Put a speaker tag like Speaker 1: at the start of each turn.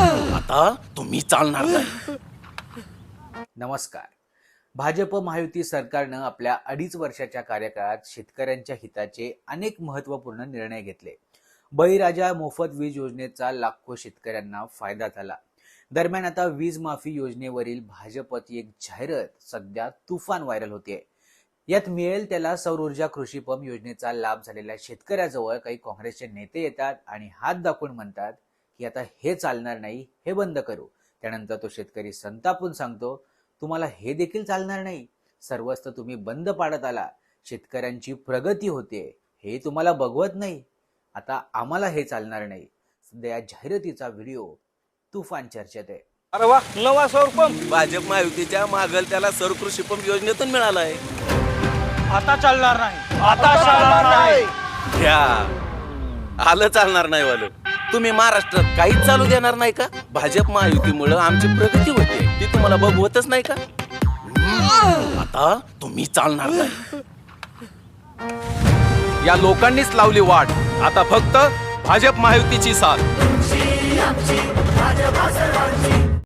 Speaker 1: आता तुम्ही चालणार नाही.
Speaker 2: नमस्कार. भाजप महायुती सरकारनं आपल्या 2.5 वर्षाच्या कार्यकाळात शेतकऱ्यांच्या हिताचे अनेक महत्त्वपूर्ण निर्णय घेतले. बळीराजा मोफत वीज योजनेचा लाखो शेतकऱ्यांना फायदा झाला. दरम्यान आता वीज माफी योजनेवरील भाजपची एक जाहिरात सध्या तुफान व्हायरल होते. यात मिळेल त्याला सौर ऊर्जा कृषी पंप योजनेचा लाभ झालेल्या शेतकऱ्याजवळ काही काँग्रेसचे नेते येतात आणि हात दाखवून म्हणतात की आता हे चालणार नाही, हे बंद करू. त्यानंतर तो शेतकरी संतापून सांगतो, तुम्हाला हे देखील चालणार नाही, सर्वच तर तुम्ही बंद पाडत आला, शेतकऱ्यांची प्रगती होते हे तुम्हाला बघवत नाही, आता आम्हाला हे चालणार नाही. सध्या या जाहिरातीचा व्हिडिओ तुफान चर्चेत आहे.
Speaker 1: अरे वा, नवा सौर पंप भाजप महायुतीच्या मागल त्याला सौर कृषी पंप योजनेतून मिळालाय.
Speaker 3: आता चालणार नाही, आता चालणार नाही.
Speaker 1: घ्या, आलं चालणार नाही वालं. तुम्ही महाराष्ट्रात काहीच चालू देणार नाही का? भाजप महायुतीमुळे आमची प्रगती होते ती तुम्हाला बघवतच नाही का? आता तुम्ही चालणार नाही. या लोकांनीच लावली वाट, आता फक्त भाजप महायुतीची साथ.